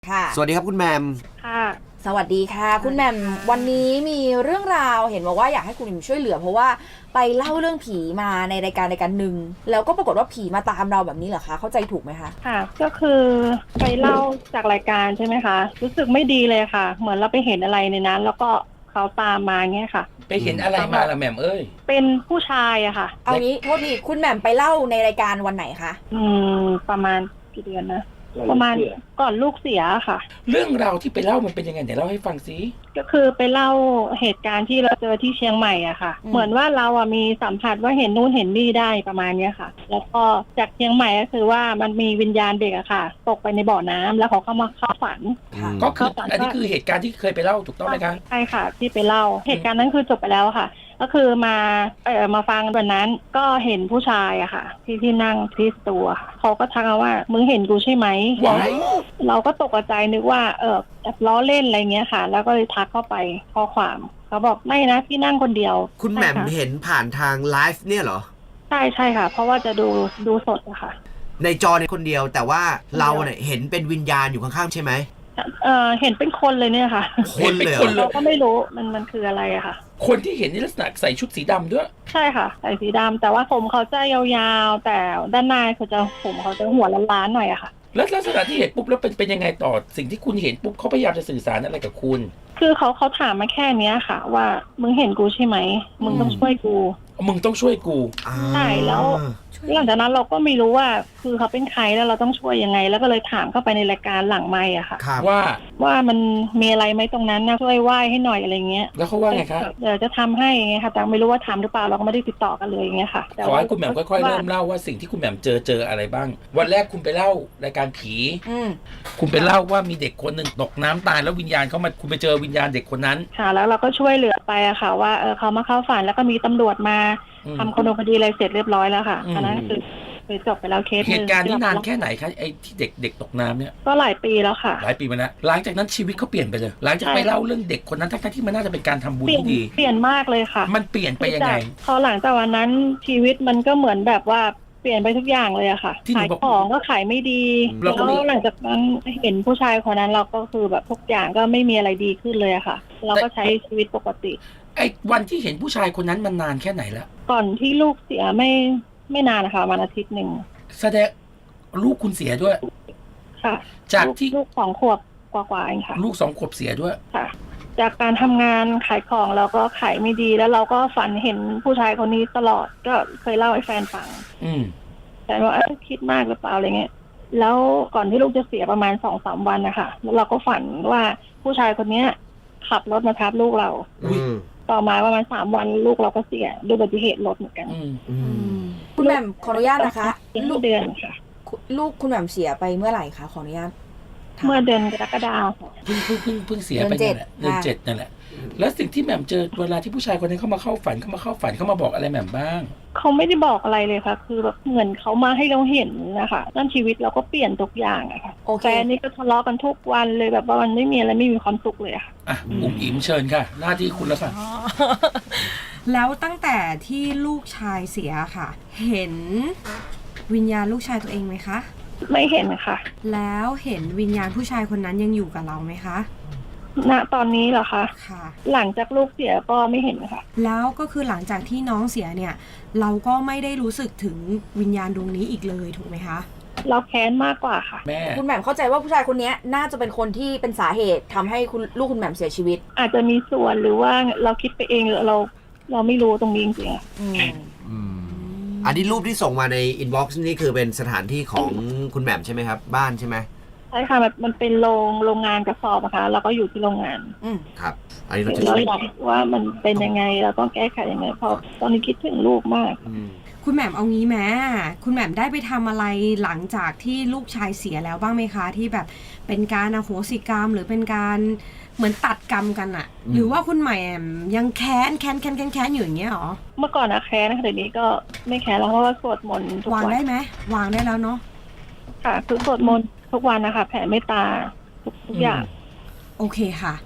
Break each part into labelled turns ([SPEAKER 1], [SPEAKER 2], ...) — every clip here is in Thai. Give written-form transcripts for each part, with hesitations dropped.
[SPEAKER 1] ค่ะ
[SPEAKER 2] สวัสดีครับคุณแมม
[SPEAKER 3] ค่ะ
[SPEAKER 1] สวัสดีค่ะคุณแหม่มวันนี้มีเรื่องราวเห็นบอกว่าอยากให้คุณแหม่มช่วยเหลือเพราะว่าไปเล่าเรื่องผีมาในรายการหนึ่งแล้วก็ปรากฏว่าผีมาตามเราแบบนี้เหรอคะเข้าใจถูกไหมคะ
[SPEAKER 3] ค่ะก็คือไปเล่าจากรายการใช่ไหมคะรู้สึกไม่ดีเลยค่ะเหมือนเราไปเห็นอะไรในนั้นแล้วก็เขาตามมาเงี้ยค่ะ
[SPEAKER 4] ไปเห็นอะไรมาล่ะแหม่มเอ้ย
[SPEAKER 3] เป็นผู้ชายอะค่ะ
[SPEAKER 1] เอางี้โทษทีคุณแหม่มไปเล่าในรายการวันไหนคะ
[SPEAKER 3] ประมาณกี่เดือนนะประมาณก่อนลูกเสียค่ะ
[SPEAKER 4] เรื่องราวที่ไปเล่ามันเป็นยังไงเดี๋ยวเล่าให้ฟังสิ
[SPEAKER 3] ก็คือไปเล่าเหตุการณ์ที่เราเจอที่เชียงใหม่อะค่ะเหมือนว่าเราอะมีสัมผัสว่าเห็นนู่นเห็นนี่ได้ประมาณเนี้ยค่ะแล้วก็จากเชียงใหม่ก็คือว่ามันมีวิญญาณเด็กอะค่ะตกไปในบ่อน้ำแล้วเขาเข้ามาเข้าฝัน
[SPEAKER 4] ก็คืออันนี้คือเหตุการณ์ที่เคยไปเล่าถูกต้องไหมคะ
[SPEAKER 3] ใช่ค่ะที่ไปเล่าเหตุการณ์นั้นคือจบไปแล้วค่ะก็คือมาฟังวันนั้นก็เห็นผู้ชายอะค่ะที่นั่งที่ตัวเขาก็ทักมาว่ามึงเห็นกูใช่ไหมเราก็ตกใจนึกว่าแบบล้อเล่นอะไรเงี้ยค่ะแล้วก็เลยทักเข้าไปข้อความเขาบอกไม่นะพี่นั่งคนเดียว
[SPEAKER 2] คุณแหม่มเห็นผ่านทางไลฟ์เนี่ยเหรอ
[SPEAKER 3] ใช่ค่ะเพราะว่าจะดูสดอะค่ะ
[SPEAKER 2] ในจอในคนเดียวแต่ว่าเราเนี่ยเห็นเป็นวิญญาณอยู่ข้างๆใช่ไหม
[SPEAKER 3] เห็นเป็นคนเลยเนี่ยค่ะ
[SPEAKER 2] คนเลย
[SPEAKER 3] เราก็ไม่รู้มันคืออะไรอะค่ะ
[SPEAKER 4] คนที่เห็นนี่ลักษณะใส่ชุดสีดำด้วย
[SPEAKER 3] ใช่ค่ะใส่สีดำแต่ว่าผมเขาจะยาวๆแต่ด้านในผมเขาจะหัวล้านๆหน่อยอะค่ะ
[SPEAKER 4] แล้วลักษณะที่เห็นปุ๊บแล้วเป็นยังไงต่อสิ่งที่คุณเห็นปุ๊บเขาพยายามจะสื่อสารอะไรกับคุณ
[SPEAKER 3] คือเขาถามมาแค่เนี้ยค่ะว่ามึงเห็นกูใช่ไหมมึงต้องช่วยกู
[SPEAKER 4] มึงต้องช่วยกู
[SPEAKER 3] ใช่แล้วหลังจากนั้นเราก็ไม่รู้ว่าคือเขาเป็นใครแล้วเราต้องช่วยยังไงแล้วก็เลยถามเข้าไปในรายการหลังไมค์อะค่ะว่ามันมีอะไรไหมตรงนั้นนะช่วยไหว้ให้หน่อยอะไรเงี้ย
[SPEAKER 4] แล้วเขาว่าไงครับ
[SPEAKER 3] เดี๋ยวจะทำให้ไงค่ะแต่ไม่รู้ว่าทำหรือเปล่าเราก็ไม่ได้ติดต่อกันเลยอย่างเงี้ยค่ะ
[SPEAKER 4] ขอให้คุณแหม่มค่อยๆเริ่มเล่าว่าสิ่งที่คุณแหม่มเจออะไรบ้างวันแรกคุณไปเล่ารายการผีคุณไปเล่าว่ามีเด็กคนหนึ่งตกน้ำตายแล้ววิญญาณเขามาคุณไปเจอวิญญาณเด็กคนนั้น
[SPEAKER 3] ค่ะแล้วเราก็ช่วยเหลือไปอะค่ะว่าเขามาเข้าฝันแล้วก็มีตำรวจมาทำคดีอะไรเสร็จเรียบร้อยแล้วค่ะอันนั้นคือจบไปแล้วเคส
[SPEAKER 4] เหตุการณ์นี้นานแค่ไหนคะไอ้ที่เด็กตกน้ำเนี่ย
[SPEAKER 3] ก็หลายปีแล้วค่ะ
[SPEAKER 4] หลายปีมาแล้วหลังจากนั้นชีวิตเขาเปลี่ยนไปเลยหลังจากไปเล่าเรื่องเด็กคนนั้นทั้งที่มันน่าจะเป็นการทำบุญที่ดี
[SPEAKER 3] เปลี่ยนมากเลยค่ะ
[SPEAKER 4] มันเปลี่ยนไปยังไง
[SPEAKER 3] พอหลังจากวันนั้นชีวิตมันก็เหมือนแบบว่าเปลี่ยนไปทุกอย่างเลยอะค่ะขายของก็ขายไม่ดีแล้วหลังจากนั้นเห็นผู้ชายคนนั้นเราก็คือแบบทุกอย่างก็ไม่มีอะไรดีขึ้นเลยอะค่ะเราก็ใช้ชีวิตปกติ
[SPEAKER 4] ไอ้วันที่เห็นผู้ชายคนนั้นมันนานแค่ไหนแล้ว
[SPEAKER 3] ก่อนที่ลูกเสียไม่นานนะคะวันอาทิตย์หนึ่ง
[SPEAKER 4] แสดงลูกคุณเสียด้วย
[SPEAKER 3] ค่ะ
[SPEAKER 4] จากที่
[SPEAKER 3] ลูก2 ขวบกว่าเองค่ะ
[SPEAKER 4] ลูก2 ขวบเสียด้วย
[SPEAKER 3] ค่ะจากการทำงานขายของเราก็ขายไม่ดีแล้วเราก็ฝันเห็นผู้ชายคนนี้ตลอดก็เคยเล่าให้แฟนฟังแต่ว่าคิดมากหรือเปล่าอะไรเงี้ยแล้วก่อนที่ลูกจะเสียประมาณ2-3 วันนะคะแล้วเราก็ฝันว่าผู้ชายคนนี้ขับรถมาทับลูกเราต่อมาประมาณ3 วันลูกเราก็เสียด้วยอุบัติเหตุรถเหมือนกัน
[SPEAKER 1] คุณแหม่มขออนุญาตนะคะ
[SPEAKER 3] ลูกเดือนค่ะ
[SPEAKER 1] ลูกคุณแหม่มเสียไปเมื่อไหร่คะขออนุญาต
[SPEAKER 3] เมื่อเดือนกรกฎาคม
[SPEAKER 4] เพิ่งเสียไปนั่นแหละเดือน 7นั่นแหละแล้วสิ่งที่แหม่มเจอเวลาที่ผู้ชายคนนั้นเข้ามาเข้าฝันเขามาบอกอะไรแหม่มบ้าง
[SPEAKER 3] เขาไม่ได้บอกอะไรเลยค่ะคือแบบเหมือนเขามาให้เราเห็นนะคะนั่นชีวิตเราก็เปลี่ยนทุกอย่างอะค่ะแฟนนี่ก็ทะเลาะกันทุกวันเลยแบบว่ามันไม่มีอะไรไม่มีความสุขเลยค่ะ
[SPEAKER 4] อุ๋มอิ๋มเชิญค่ะหน้าที่คุณแล้วค่ะ
[SPEAKER 5] แล้วตั้งแต่ที่ลูกชายเสียค่ะเห็นวิญญาณลูกชายตัวเองไหมคะ
[SPEAKER 3] ไม่เห็นค่ะ
[SPEAKER 5] แล้วเห็นวิญญาณผู้ชายคนนั้นยังอยู่กับเราไหมคะ
[SPEAKER 3] ณตอนนี้เหรอคะ
[SPEAKER 5] ค่ะ
[SPEAKER 3] หลังจากลูกเสียก็ไม่เห็นค่ะ
[SPEAKER 5] แล้วก็คือหลังจากที่น้องเสียเนี่ยเราก็ไม่ได้รู้สึกถึงวิญญาณดวงนี้อีกเลยถูกไหมคะ
[SPEAKER 3] เราแค้นมากกว่าค่ะ
[SPEAKER 4] แม่
[SPEAKER 1] คุณแหม่มเข้าใจว่าผู้ชายคนนี้น่าจะเป็นคนที่เป็นสาเหตุทำให้ลูกคุณแหม่มเสียชีวิต
[SPEAKER 3] อาจจะมีส่วนหรือว่าเราคิดไปเองหรือเราไม่รู้ตรงนี้จริงๆ
[SPEAKER 2] อันนี้รูปที่ส่งมาในอินบ็อกซ์นี่คือเป็นสถานที่ของคุณแหม่มใช่ไหมครับบ้านใช่ไหม
[SPEAKER 3] ใช่ค่ะมันเป็นโรงงานกระสอบนะคะเราก็อยู่ที่โรงงาน
[SPEAKER 2] ครับอันนี้
[SPEAKER 3] เราอยากว่ามันเป็นยังไงเราต้องแก้ไขยังไงเพราะตอนนี้คิดถึงลูกมาก
[SPEAKER 5] คุณแหม่มเอางี้แม้คุณแหม่มได้ไปทำอะไรหลังจากที่ลูกชายเสียแล้วบ้างไหมคะที่แบบเป็นการอโหสิกรรมหรือเป็นการเหมือนตัดกรรมกันอะหรือว่าคุณแหม่มยังแค้นอยู่อย่างเงี้ยหรอ
[SPEAKER 3] เมื่อก่อนนะแค้นนะคะเดี๋ยวนี้ก็ไม่แค้นแล้วเพราะว่าสวดมนต์ทุกวัน
[SPEAKER 5] วางได้ไหมวางได้แล้วเนาะ
[SPEAKER 3] ค่ะคือสวดมนต์ทุกวันนะคะแผ่เมตตาทุกอย่าง
[SPEAKER 5] โอเคค่ะ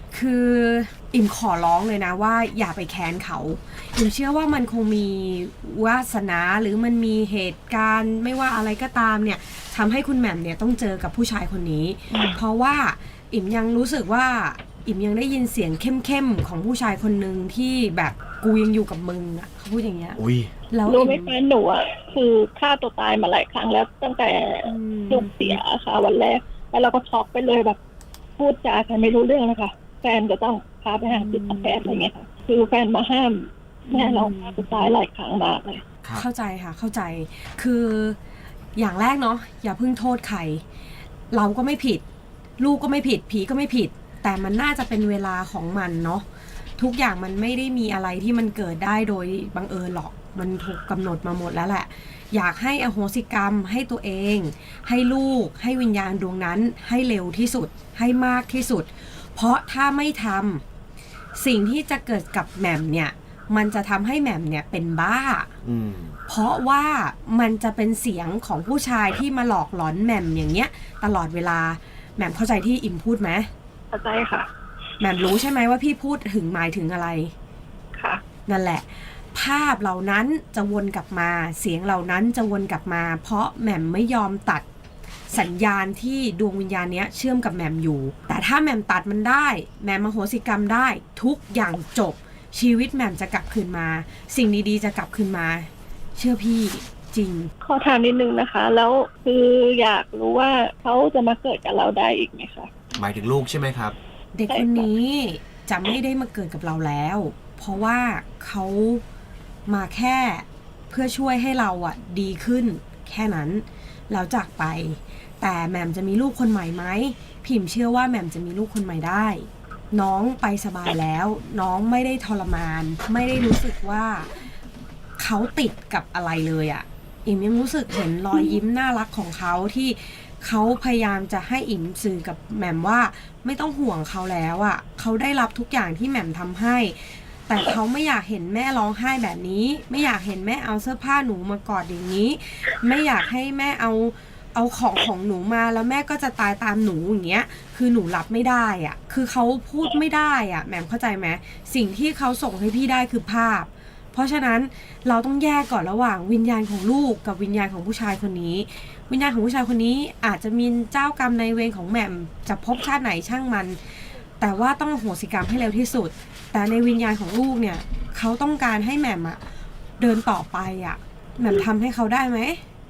[SPEAKER 5] คืออิ่มขอร้องเลยนะว่าอย่าไปแค้นเขาอิ่มเชื่อว่ามันคงมีวาสนาหรือมันมีเหตุการณ์ไม่ว่าอะไรก็ตามเนี่ยทำให้คุณแหม่มเนี่ยต้องเจอกับผู้ชายคนนี้ เพราะว่าอิ่มยังรู้สึกว่าอิ่มยังได้ยินเสียงเข้มๆของผู้ชายคนหนึ่งที่แบบกูยังอยู่กับมึงอ่ะเขาพูดอย่างเงี้ย
[SPEAKER 2] อุ้ย
[SPEAKER 5] แล้ว
[SPEAKER 3] รู้ไหมแฟนหนูอ่ะคือฆ่าตัวตายมาหลายครั้งแล้วตั้งแต่ลูกเสียค่ะวันแรกแล้วเราก็ช็อกไปเลยแบบพูดจากันไม่รู้เรื่องนะคะแฟนก็ต้องพาไปหาจิตแพทย์อะไรเงี้ยค่ะคือแฟนมาห้ามแม่เราฆ่าตัวตายหลายครั้งมากเลย
[SPEAKER 5] เข้าใจค่ะเข้าใจคืออย่างแรกเนาะอย่าเพิ่งโทษใครเราก็ไม่ผิดลูกก็ไม่ผิดผีก็ไม่ผิดแต่มันน่าจะเป็นเวลาของมันเนาะทุกอย่างมันไม่ได้มีอะไรที่มันเกิดได้โดยบังเอิญหรอกมันถูกกำหนดมาหมดแล้วแหละอยากให้อโหสิกรรมให้ตัวเองให้ลูกให้วิญญาณดวงนั้นให้เร็วที่สุดให้มากที่สุดเพราะถ้าไม่ทำสิ่งที่จะเกิดกับแหม่มเนี่ยมันจะทำให้แหม่มเนี่ยเป็นบ้าเพราะว่ามันจะเป็นเสียงของผู้ชายที่มาหลอกหลอนแหม่มอย่างเงี้ยตลอดเวลาแหม่มเข้าใจที่อิ่มพูดไหม
[SPEAKER 3] เข้าใจค่ะ
[SPEAKER 5] แหม่มรู้ใช่ไหมว่าพี่พูดถึงหมายถึงอะไร
[SPEAKER 3] ค่ะ
[SPEAKER 5] นั่นแหละภาพเหล่านั้นจะวนกลับมาเสียงเหล่านั้นจะวนกลับมาเพราะแหม่มไม่ยอมตัดสัญญาณที่ดวงวิญญาณเนี้ยเชื่อมกับแหม่มอยู่แต่ถ้าแหม่มตัดมันได้แหม่มอโหสิกรรมได้ทุกอย่างจบชีวิตแหม่มจะกลับคืนมาสิ่งดีๆจะกลับคืนมาเชื่อพี่จริง
[SPEAKER 3] ขอถามนิดนึงนะคะแล้วคืออยากรู้ว่าเขาจะมาเกิดกับเราได้อีกไหมคะ
[SPEAKER 2] หมายถึงลูกใช่ไหมครับ
[SPEAKER 5] เด็กคนนี้จะไม่ได้มาเกิดกับเราแล้วเพราะว่าเขามาแค่เพื่อช่วยให้เราอ่ะดีขึ้นแค่นั้นแล้วจากไปแต่แหม่มจะมีลูกคนใหม่ไหมพิมเชื่อว่าแหม่มจะมีลูกคนใหม่ได้น้องไปสบายแล้วน้องไม่ได้ทรมานไม่ได้รู้สึกว่าเขาติดกับอะไรเลยอ่ะอิ่มยังรู้สึกเห็นรอยยิ้มน่ารักของเขาที่เขาพยายามจะให้อิ่มสื่อกับแหม่มว่าไม่ต้องห่วงเขาแล้วอ่ะเขาได้รับทุกอย่างที่แหม่มทำให้แต่เขาไม่อยากเห็นแม่ร้องไห้แบบนี้ไม่อยากเห็นแม่เอาเสื้อผ้าหนูมากอดอย่างนี้ไม่อยากให้แม่เอาของหนูมาแล้วแม่ก็จะตายตามหนูอย่างเงี้ยคือหนูรับไม่ได้อ่ะคือเขาพูดไม่ได้อ่ะแหม่มเข้าใจไหมสิ่งที่เขาส่งให้พี่ได้คือภาพเพราะฉะนั้นเราต้องแยกก่อนระหว่างวิญญาณของลูกกับวิญญาณของผู้ชายคนนี้วิญญาณของผู้ชายคนนี้อาจจะมีเจ้ากรรมนายเวรของแหม่มจะพบชาติไหนช่างมันแต่ว่าต้องอโหสิกรรมให้เร็วที่สุดแต่ในวิญญาณของลูกเนี่ยเขาต้องการให้แหม่มอ่ะเดินต่อไปอ่ะแหม่มทำให้เขาได้ไหม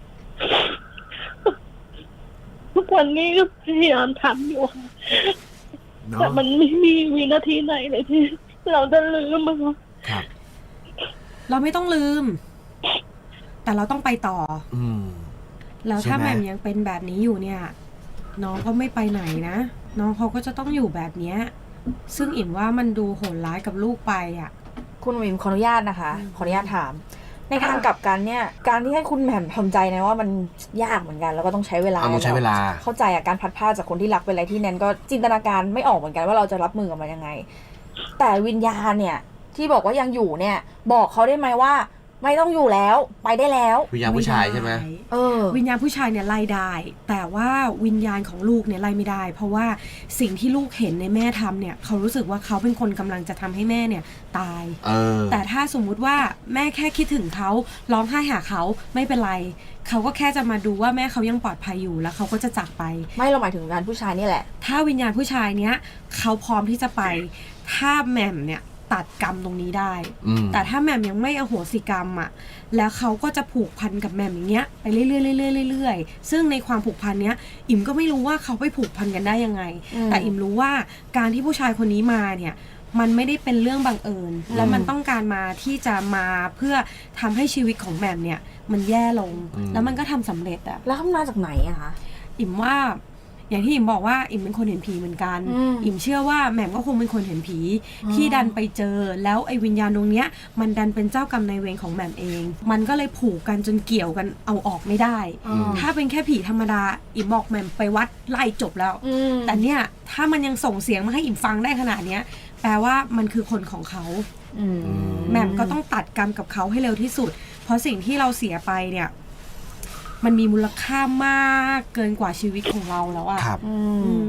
[SPEAKER 3] ทุกวันนี้ก็พยายามทำอยู่แต่มันไม่มีวินาทีไหนเลยที่เราจะลืมมัน
[SPEAKER 2] ครับ
[SPEAKER 5] เราไม่ต้องลืมแต่เราต้องไปต่อแล้วถ้าแหม่มยังเป็นแบบนี้อยู่เนี่ยน้องก็ไม่ไปไหนนะน้องเขาก็จะต้องอยู่แบบเนี้ยซึ่งอิ่มว่ามันดูโหดร้ายกับลูกไปอ่ะ
[SPEAKER 1] คุณอิ่มขออนุญาตนะคะขออนุญาตถามในทางกลับกันเนี่ยการที่ให้คุณแหม่มทำใจนะว่ามันยากเหมือนกันแล้วก็ต้องใช้เวลา
[SPEAKER 2] ต้องใช้เวลา
[SPEAKER 1] เข้าใจการพัดพาจากคนที่รักเป็นอะไรที่แนนก็จินตนาการไม่ออกเหมือนกันว่าเราจะรับมือกับมันยังไงแต่วิญญาณเนี่ยที่บอกว่ายังอยู่เนี่ยบอกเขาได้ไหมว่าไม่ต้องอยู่แล้วไปได้แล้ว
[SPEAKER 2] วิญญาณผู้ชายใช่ไหม
[SPEAKER 5] วิญญาณผู้ชายเนี่ยไล่ได้แต่ว่าวิญญาณของลูกเนี่ยไล่ไม่ได้เพราะว่าสิ่งที่ลูกเห็นในแม่ทำเนี่ยเขารู้สึกว่าเขาเป็นคนกำลังจะทำให้แม่เนี่ยตายแต่ถ้าสมมุติว่าแม่แค่คิดถึงเขาร้องไห้หาเขาไม่เป็นไรเขาก็แค่จะมาดูว่าแม่เขายังปลอดภัยอยู่แล้วเขาก็จะจากไป
[SPEAKER 1] ไม่เราหมายถึงวิญญาณผู้ชายนี่แหละ
[SPEAKER 5] ถ้าวิญญาณผู้ชายเนี้ยเขาพร้อมที่จะไปถ้าแหม่มเนี่ยตัดกรรมตรงนี้ได้แต่ถ้าแหม่มยังไม่อโหสิกรรมอ่ะแล้วเขาก็จะผูกพันกับแหม่มอย่างเงี้ยไปเรื่อยๆเรื่อยๆซึ่งในความผูกพันเนี้ยอิ่มก็ไม่รู้ว่าเขาไปผูกพันกันได้ยังไงแต่อิ่มรู้ว่าการที่ผู้ชายคนนี้มาเนี่ยมันไม่ได้เป็นเรื่องบังเอิญแล้วมันต้องการมาที่จะมาเพื่อทำให้ชีวิตของแหม่มเนี่ยมันแย่ลงแล้วมันก็ทำสำเร็จอะ
[SPEAKER 1] แล้วมาจากไหนอะคะ
[SPEAKER 5] อิ่มว่าอย่างที่อิ่มบอกว่าอิ่มเป็นคนเห็นผีเหมือนกันอิ่มเชื่อว่าแหม่มก็คงเป็นคนเห็นผีที่ดันไปเจอแล้วไอ้วิญญาณตรงเนี้ยมันดันเป็นเจ้ากรรมนายเวรของแหม่มเองมันก็เลยผูกกันจนเกี่ยวกันเอาออกไม่ได้ถ้าเป็นแค่ผีธรรมดาอิ่มบอกแหม่มไปวัดไล่จบแล้วแต่เนี้ยถ้ามันยังส่งเสียงมาให้อิ่มฟังได้ขนาดเนี้ยแปลว่ามันคือคนของเขาแหม่มก็ต้องตัดกรรมกับเขาให้เร็วที่สุดเพราะสิ่งที่เราเสียไปเนี่ยมันมีมูลค่ามากเกินกว่าชีวิตของเราแล้วอ่ะ
[SPEAKER 2] ครับ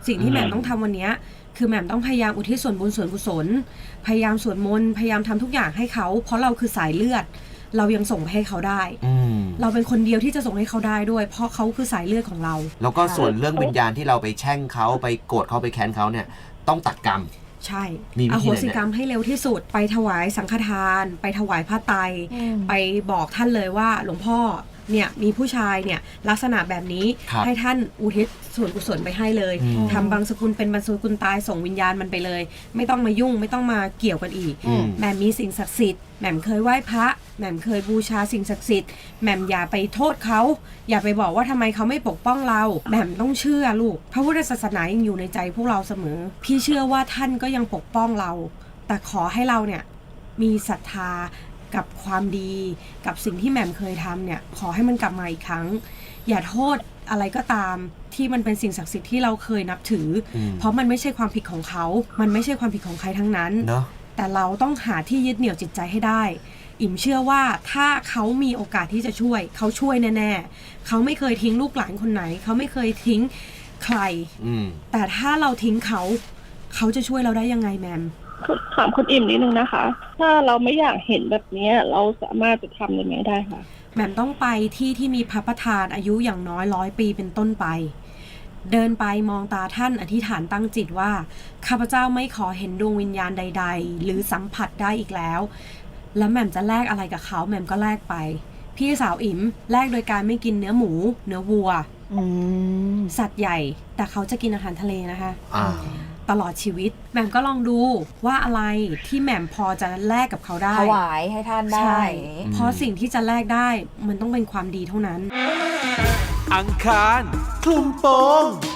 [SPEAKER 5] สิ่งที่แหม่มต้องทำวันเนี้ยคือแหม่มต้องพยายามอุทิศส่วนบุญส่วนกุศลพยายามสวดมนต์พยายามทำทุกอย่างให้เขาเพราะเราคือสายเลือดเรายังส่งไปให้เขาได้เราเป็นคนเดียวที่จะส่งให้เขาได้ด้วยเพราะเขาคือสายเลือดของเรา
[SPEAKER 2] แล้วก็ส่วนเรื่องวิญญาณที่เราไปแช่งเขาไปโกรธเขาไปแค้นเขาเนี่ยต้องตัดกรรม
[SPEAKER 5] ใช่อโหสิกรรมให้เร็วที่สุดไปถวายสังฆทานไปถวายผ้าไตรไปบอกท่านเลยว่าหลวงพ่อเนี่ยมีผู้ชายเนี่ยลักษณะแบบนี้ให้ท่านอุทิศส่วนกุศลไปให้เลยทำบางสกุลเป็นบางสกุลตายส่งวิญญาณมันไปเลยไม่ต้องมายุ่งไม่ต้องมาเกี่ยวกันอีกแหม่มมีสิ่งศักดิ์สิทธิ์แหม่มเคยไหว้พระแหม่มเคยบูชาสิ่งศักดิ์สิทธิ์แหม่มอย่าไปโทษเขาอย่าไปบอกว่าทำไมเขาไม่ปกป้องเราแหม่มต้องเชื่อลูกพระพุทธศาสนายังอยู่ในใจพวกเราเสมอพี่เชื่อว่าท่านก็ยังปกป้องเราแต่ขอให้เราเนี่ยมีศรัทธากับความดีกับสิ่งที่แหม่มเคยทำเนี่ยขอให้มันกลับมาอีกครั้งอย่าโทษอะไรก็ตามที่มันเป็นสิ่งศักดิ์สิทธิ์ที่เราเคยนับถือเพราะมันไม่ใช่ความผิดของเขามันไม่ใช่ความผิดของใครทั้งนั้นแต่เราต้องหาที่ยึดเหนี่ยวจิตใจให้ได้อิ่มเชื่อว่าถ้าเขามีโอกาสที่จะช่วยเขาช่วยแน่ๆเขาไม่เคยทิ้งลูกหลานคนไหนเขาไม่เคยทิ้งใครแต่ถ้าเราทิ้งเขาจะช่วยเราได้ยังไงแหม่ม
[SPEAKER 3] ถามคุณอิ่มนิดนึงนะคะถ้าเราไม่อยากเห็นแบบนี้เราสามารถจะทำยังไงได้คะ
[SPEAKER 5] แหม่มต้องไปที่มีพระประธานอายุอย่างน้อย100 ปีเป็นต้นไปเดินไปมองตาท่านอธิษฐานตั้งจิตว่าข้าพเจ้าไม่ขอเห็นดวงวิญญาณใดๆหรือสัมผัสได้อีกแล้วแล้วแหม่มจะแลกอะไรกับเขาแหม่มก็แลกไปพี่สาวอิ่มแลกโดยการไม่กินเนื้อหมูเนื้อวัวสัตว์ใหญ่แต่เขาจะกินอาหารทะเลนะคะตลอดชีวิตแหม่มก็ลองดูว่าอะไรที่แหม่มพอจะแลกกับเขาได้
[SPEAKER 1] ถวายให้ท่านได้
[SPEAKER 5] เพราะสิ่งที่จะแลกได้มันต้องเป็นความดีเท่านั้น
[SPEAKER 6] อังคารคลุมโปง